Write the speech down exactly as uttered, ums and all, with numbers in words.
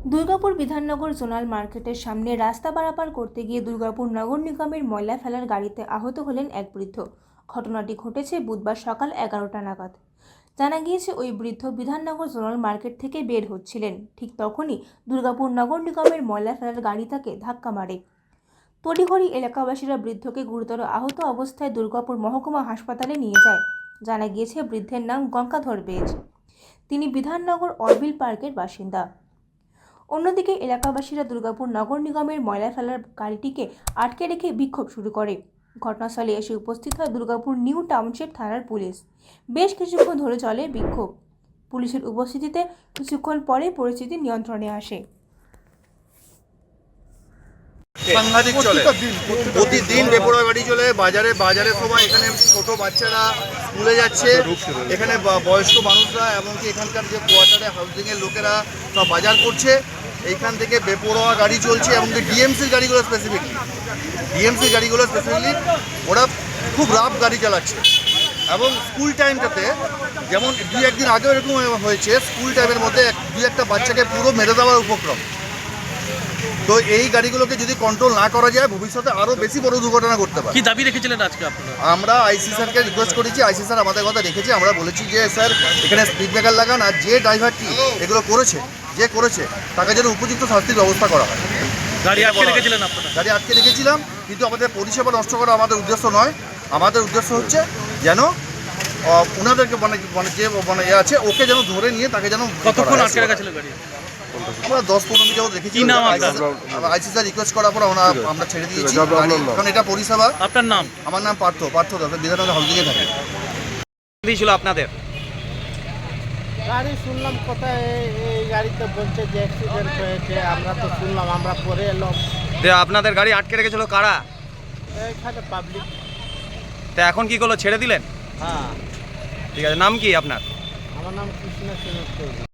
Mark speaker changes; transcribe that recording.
Speaker 1: Durgapur Bidhannagar zonal মার্কেটের সামনে রাস্তা পারাপার করতে গিয়ে দুর্গাপুর নগর নিগমের ময়লা ফেলার গাড়িতে আহত হলেন এক বৃদ্ধ। ঘটনাটি ঘটেছে বুধবার সকাল এগারোটা নাগাদ। জানা গিয়েছে, ওই বৃদ্ধ বিধাননগর জোনাল মার্কেট থেকে বের হচ্ছিলেন। ঠিক তখনই দুর্গাপুর নগর নিগমের ময়লা ফেলার গাড়ি তাকে ধাক্কা মারে। তড়িঘড়ি এলাকাবাসীরা বৃদ্ধকে গুরুতর আহত অবস্থায় দুর্গাপুর মহকুমা হাসপাতালে নিয়ে যায়। জানা গিয়েছে, বৃদ্ধের নাম গঙ্গাধর বেজ। তিনি বিধাননগর অরবিল পার্কের বাসিন্দা। অন্যদিকে এলাকাবাসীরা দুর্গাপুর নগর নিগমের ময়লা ফেলার গাড়িটিকে আটকে রেখে বিক্ষোভ শুরু করে। ঘটনাস্থলে এসে উপস্থিত হয় দুর্গাপুর নিউ টাউনশিপ থানার পুলিশ। বেশ কিছুক্ষণ ধরে চলে বিক্ষোভ। পুলিশের উপস্থিতিতে কিছুক্ষণ পরে পরিস্থিতি নিয়ন্ত্রণে আসে।
Speaker 2: সাংঘাতিক চলে, প্রতিদিন বেপরোয়া গাড়ি চলে। বাজারে বাজারের সময় এখানে ছোট বাচ্চারা স্কুলে যাচ্ছে, এখানে বয়স্ক মানুষরা, এমনকি এখানকার যে কোয়ার্টারে হাউজিংয়ের লোকেরা সব বাজার করছে। এইখান থেকে বেপরোয়া গাড়ি চলছে, এমনকি ডিএমসির গাড়িগুলো স্পেসিফিকলি ডিএমসির গাড়িগুলো স্পেসিফিকলি ওরা খুব রাফ গাড়ি চালাচ্ছে। এবং স্কুল টাইমটাতে যেমন দুই একদিন আগেও এরকম হয়েছে, স্কুল টাইমের মধ্যে দুই একটা বাচ্চাকে পুরো মেরে দেওয়ার উপক্রম। তো এই গাড়িগুলোকে যদি কন্ট্রোল না করা যায়, ভবিষ্যতে আরও বেশি বড় দুর্ঘটনা করতে পারে।
Speaker 3: কি দাবি রেখেছিলেন আজকে আপনারা?
Speaker 2: আমরা আইসি স্যারকে রিকোয়েস্ট করেছি, আইসি স্যার আমাদের কথা রেখেছি। আমরা বলেছি যে স্যার এখানে স্পিড ব্রেকার লাগান, আর যে ড্রাইভারটি এগুলো করেছে যে করেছে তাকে যেন উপযুক্ত শাস্তির ব্যবস্থা করা হয়।
Speaker 3: গাড়ি আটকে রেখেছিলেন আপনারা?
Speaker 2: গাড়ি আটকে রেখেছিলাম, কিন্তু আমাদের পরিষেবা নষ্ট করা আমাদের উদ্দেশ্য নয়। আমাদের উদ্দেশ্য হচ্ছে যেন ওনাদেরকে মানে মানে যে মানে এ আছে ওকে যেন ধরে নিয়ে তাকে যেন।
Speaker 3: কতক্ষণ আটকে রেখেছিল গাড়ি?
Speaker 2: আমরা দশ পনেরো মিনিট যাবত রেখেছি। আইসি স্যার রিকোয়েস্ট করার পর আমরা আমরা ছেড়ে দিয়েছি, কারণ এটা পরিষেবা।
Speaker 3: আপনার নাম?
Speaker 2: আমার নাম পার্থ পার্থ দাস, বিধাননগর হাউজিংয়ে থাকে।
Speaker 3: দিয়েছিল আপনাদের
Speaker 4: গাড়ি শুনলাম কোথায় এই গাড়িতে বলছে যে অ্যাক্সিডেন্ট হয়েছে, আমরা তো শুনলাম, আমরা পরে এলাম।
Speaker 3: আপনাদের গাড়ি আটকে রেখেছিল কারা?
Speaker 4: এখানে পাবলিক।
Speaker 3: তা এখন কি করলো, ছেড়ে দিলেন?
Speaker 4: হ্যাঁ।
Speaker 3: ঠিক আছে, নাম কি আপনার?
Speaker 4: আমার নাম কৃষ্ণ সেন।